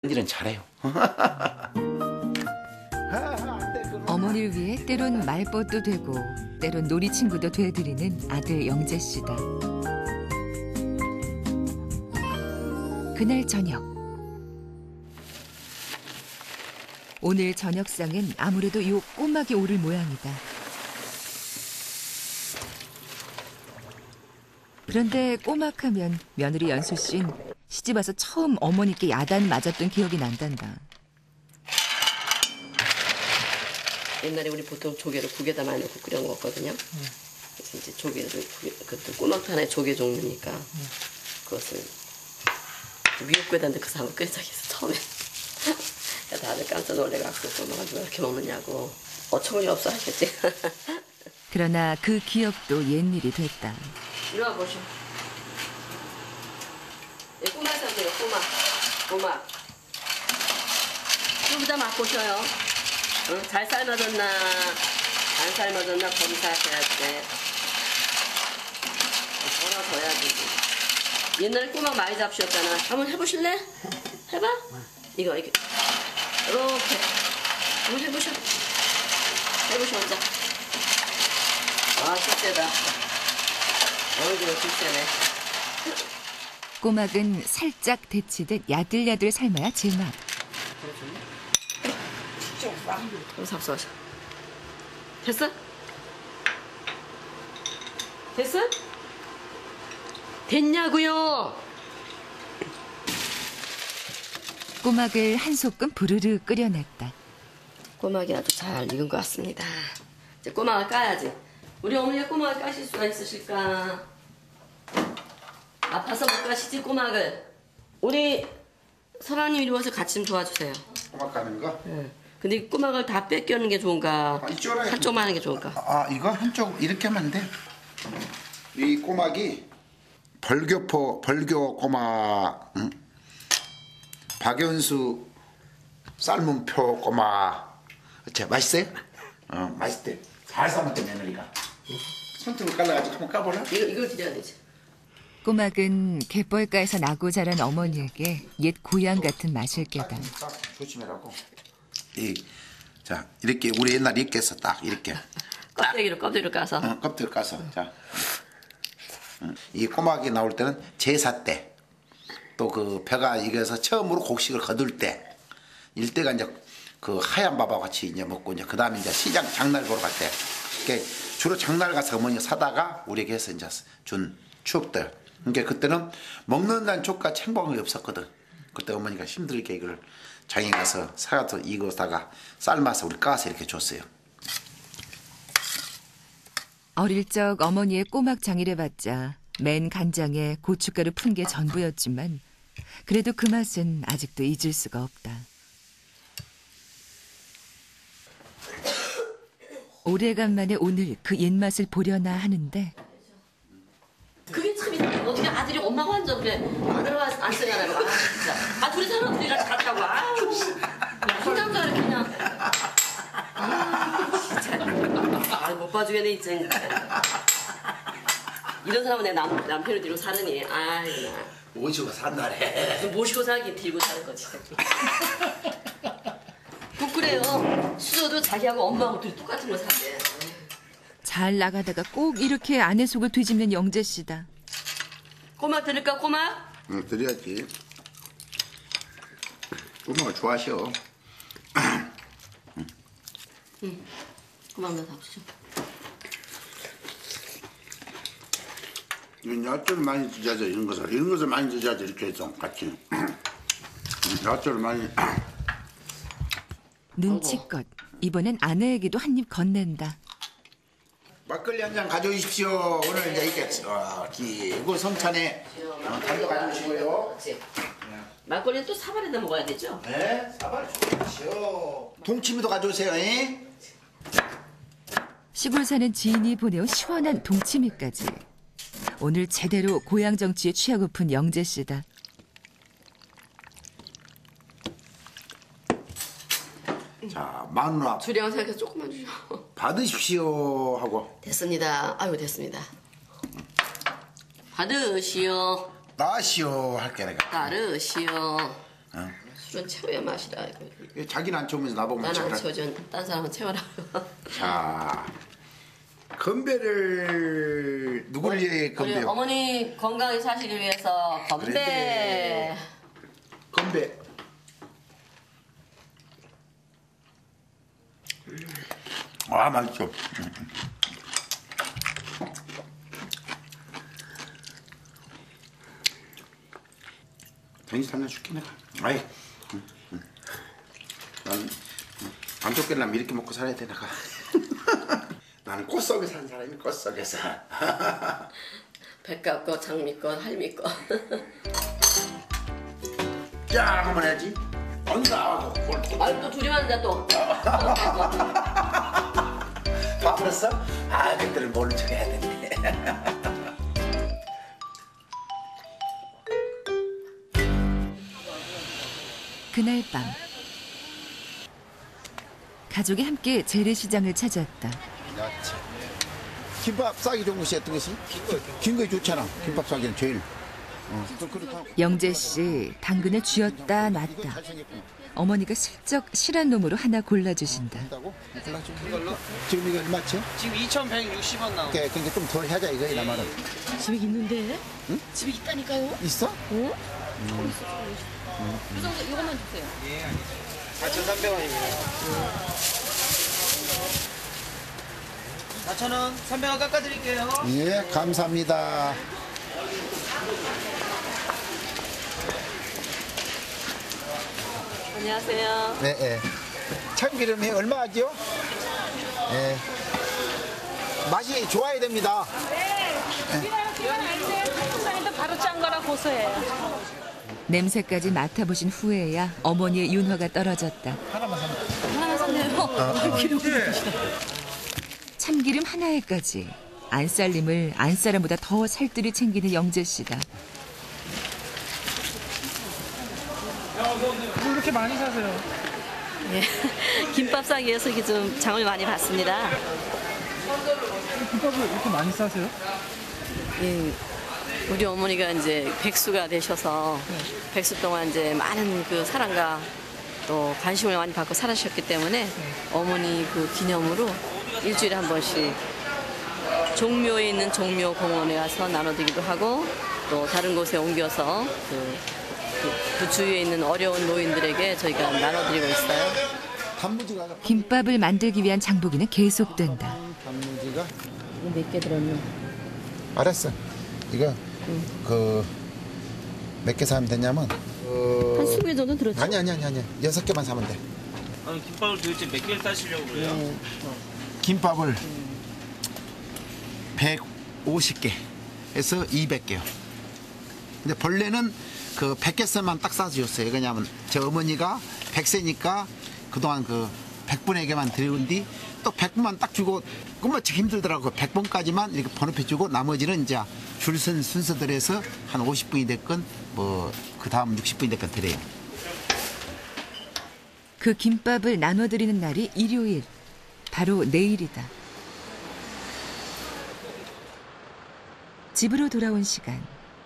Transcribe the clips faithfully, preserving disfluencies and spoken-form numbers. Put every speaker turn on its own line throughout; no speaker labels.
일은 잘해요.
어머니를 위해 때론 말벗도 되고 때론 놀이 친구도 돼드리는 아들 영재 씨다. 그날 저녁. 오늘 저녁상엔 아무래도 요 꼬막이 오를 모양이다. 그런데 꼬막하면 며느리 연수 씨는 시집와서 처음 어머니께 야단 맞았던 기억이 난단다.
옛날에 우리 보통 조개를 국에다 많이 넣고 끓여 먹었거든요. 음. 그래서 이제 조개를, 그것도 꼬막도 하나의 조개 종류니까 음. 그것을 미역국에다 넣고서 한번 끓인 적이 있어, 처음에. 다들 깜짝 놀래갖고 꼬막을 왜 이렇게 먹느냐고. 어처구니 없어 하셨지.
그러나 그 기억도 옛일이 됐다.
이리 와보시오. 이 꼬막 사세요, 꼬막. 꼬막. 여기다 맛보셔요. 응? 잘 삶아졌나 안 삶아졌나 검사해야 돼. 덜어져야지. 옛날에 꼬막 많이 잡수셨잖아. 한번 해보실래? 해봐. 이거 이렇게 이렇게 한번 해보셔. 해보셔 혼자. 아, 실세다. 어이구, 실세네.
꼬막은 살짝 데치듯 야들야들 삶아야 제맛.
너무 삽소하셔. 됐어? 됐어? 됐냐고요?
꼬막을 한 소끔 부르르 끓여냈다.
꼬막이 아주 잘 익은 것 같습니다. 이제 꼬막을 까야지. 우리 어머니가 꼬막을 까실 수가 있으실까? 아파서 못 까시지 꼬막을. 우리 서방님 이리 와서 같이 좀 도와주세요.
꼬막 까는 거?
응. 근데 이 꼬막을 다 뺏겨는 게 좋은가?
아, 이쪽으로
한쪽만 하는 게 좋을까?
아, 이거 한쪽 이렇게 하면 안 돼. 이 꼬막이 벌교포, 벌교 꼬막, 응? 박연수 삶은 표 꼬막. 자, 맛있어요? 어, 맛있대. 잘 삶았대, 며느리가. 손등을 깔라가지고 한번 까볼라?
이거, 이걸 드려야 되지.
꼬막은 갯벌가에서 나고 자란 어머니에게 옛 고향 같은 맛일 게다.
조심해라고. 이, 자, 이렇게 우리 옛날에 이렇게 했어, 딱 이렇게.
껍데기로 껍데기로 까서.
어, 껍데기 까서. 자, 이 꼬막이 나올 때는 제사 때, 또 그 벼가 익어서 처음으로 곡식을 거둘 때, 일때가 이제 그 하얀 밥하고 같이 이제 먹고 이제 그 다음에 이제 시장 장날 보러 갈 때, 그러니까 주로 장날 가서 어머니가 사다가 우리에게 해서 이제 준 추억들. 그러니까 그때는 먹는 난 족과 챙방이 없었거든. 그때 어머니가 힘들게 이걸 장에 가서 사가서 익어다가 삶아서 우리 까서 이렇게 줬어요.
어릴 적 어머니의 꼬막 장일해봤자 맨 간장에 고춧가루 푼 게 전부였지만 그래도 그 맛은 아직도 잊을 수가 없다. 오래간만에 오늘 그 옛맛을 보려나 하는데
그게 참 이상해. 어떻게 아들이 엄마가 완전 그래. 아들과 안 쓰냐고. 아, 진짜. 아, 둘이 사는 둘이 같이 갔다고. 아우, 씨. 혼자서 이렇게 그냥. 아, 진짜. 아, 못 봐주겠네, 진짜. 이런 사람은 내 남, 남편을 데리고 사느니. 아이, 나.
모시고 산다래.
모시고 살긴 들고 사는 거지. 꼭 그래요. 수저도 자기하고 엄마하고 둘이 똑같은 거 사대.
잘 나가다가 꼭 이렇게 아내 속을 뒤집는 영재 씨다.
꼬막 드릴까, 꼬막?
응, 드려야지. 꼬막을 좋아하셔.
응. 꼬막 넣어서 합시다.
야채를 많이 드셔야죠, 이런 것을. 이런 것을 많이 드셔야죠, 이렇게 해서 같이. 야채를 많이.
눈치껏 이번엔 아내에게도 한 입 건넨다.
막걸리 한 잔 가져오십시오. 오늘 이제 이렇게 어, 기고 성찬에 어, 단도 가져오시고요.
막걸리는 또 사발에다 먹어야 되죠?
네, 사발 좋으시오. 동치미도 가져오세요. 에?
시골 사는 지인이 보내온 시원한 동치미까지. 오늘 제대로 고향 정치에 취하고픈 영재 씨다.
자, 마누라
주량 생각해서 조금만 주셔.
받으십시오 하고.
됐습니다. 아이고, 됐습니다. 받으시오.
나시오 할게 내가.
따르시오.
어?
술은 채워야 맛이다. 이거.
자기는 안 채우면서 나보면
난 안
채워라.
채워줘. 딴 사람은 채워라.
자, 건배를 누구를 위해
우리
건배요?
어머니 건강히 사시기 위해서 건배.
그래. 건배. 아, 맛있죠. 정신 하나 줄게 내가. 아이, 응, 응. 난 안 쫓겨나면 이렇게 먹고 살아야 돼 내가. 나는 꽃 속에 사는 사람이 꽃 속에서.
백갑 거, 장미 거, 할미 거.
짠 한번 해야지. 언다 하고.
아유 또 둘이 만나 또.
봐버렸어? 아, 그때는 모른 척 해야 되는데.
그날 밤 가족이 함께 재래시장을 찾았다.
야채. 김밥 싸기 좋은 것이 어떤 것이? 긴 거 좋잖아. 김밥 싸기는 제일. 어. 또 그렇다고.
영재 씨 당근을 쥐었다 놨다.
잘생겼구나.
어머니가 슬쩍 실한 놈으로 하나 골라주신다.
한다고? 이걸로? 지금 이거 얼마치?
지금 이천백육십 원 나오고.
오케이, 그러니까 좀 덜 하자 이거 나 말은.
집에 있는데?
응?
집에 있다니까요?
있어?
어? 음. 그래서 이것만 주세요.
예, 알겠습니다. 사천삼백 원입니다. 사천 원, 삼백 원 깎아드릴게요.
예, 감사합니다.
안녕하세요.
네, 예. 참기름이 얼마죠? 예. 맛이 좋아야 됩니다.
바로 짠 거라 고소해요.
냄새까지 맡아보신 후에야 어머니의 윤화가 떨어졌다.
하나만 사면.
하나만 샀네요.
참기름 하나에까지 안살림을 안사람보다 더 살뜰히 챙기는 영재 씨다.
뭐 이렇게 많이 사세요?
예. 김밥 싸기 위해서 이게 좀 장을 많이 봤습니다.
김밥을 이렇게 많이 싸세요?
예. 우리 어머니가 이제 백수가 되셔서 백수 동안 이제 많은 그 사랑과 또 관심을 많이 받고 살아주셨기 때문에 어머니 그 기념으로 일주일에 한 번씩 종묘에 있는 종묘 공원에 가서 나눠드리기도 하고 또 다른 곳에 옮겨서 그, 그, 그 주위에 있는 어려운 노인들에게 저희가 나눠드리고 있어요.
단무지가.
김밥을 만들기 위한 장보기는 계속된다.
단무지가.
몇 개 들었노?
알았어. 이거 그 몇 개 사면 되냐면. 어...
한 이십 개 정도 들었죠?
아니 아니 아니 아니. 여섯 개만 사면 돼.
아니, 김밥을 도대체 몇 개를 따시려고 그래요?
네.
김밥을 백오십 개에서 이백 개요. 근데 본래는 그 백 개씩만 딱 싸주셨어요. 왜냐하면 저 어머니가 백 세니까 그동안 그 백 분의 개만 드리는 뒤 또 백 분만 딱 주고 그만 힘들더라고. 백 번까지만 이렇게 번호표 주고 나머지는 이제 줄선 순서대로해서 한 오십 분이 됐건 뭐 그 다음 육십 분이 됐건 드려요.
그 김밥을 나눠드리는 날이 일요일. 바로 내일이다. 집으로 돌아온 시간.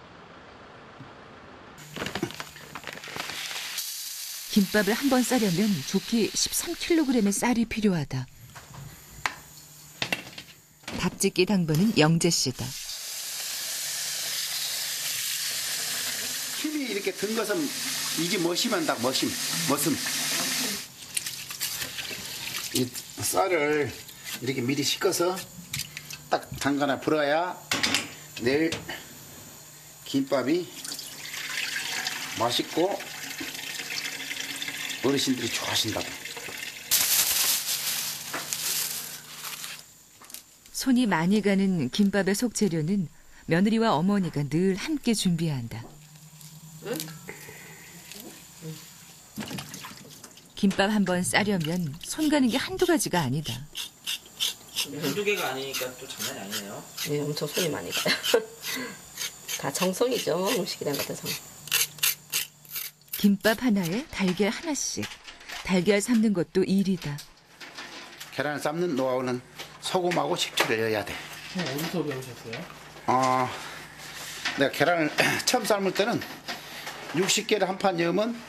김밥을 한 번 싸려면 좋게 십삼 킬로그램의 쌀이 필요하다. 밥짓기 당번은 영재 씨다.
힘이 이렇게 든 것은 이게 멋이면 딱 멋임, 멋음. 이 쌀을 이렇게 미리 씻어서 딱 잠가나 불어야 내일 김밥이 맛있고 어르신들이 좋아하신다고.
손이 많이 가는 김밥의 속재료는 며느리와 어머니가 늘 함께 준비한다. 김밥 한 번 싸려면 손 가는 게 한두 가지가 아니다.
한두 개가 아니니까 또 장난이 아니네요.
네, 엄청 손이 많이 가요. 다 정성이죠, 뭐, 음식이란 것도 정.
김밥 하나에 달걀 하나씩. 달걀 삶는 것도 일이다.
계란을 삶는 노하우는 소금하고 식초를 넣어야 돼.
어디서 배우셨어요?
어, 내가 계란을 처음 삶을 때는 육십 개를 한 판 넣으면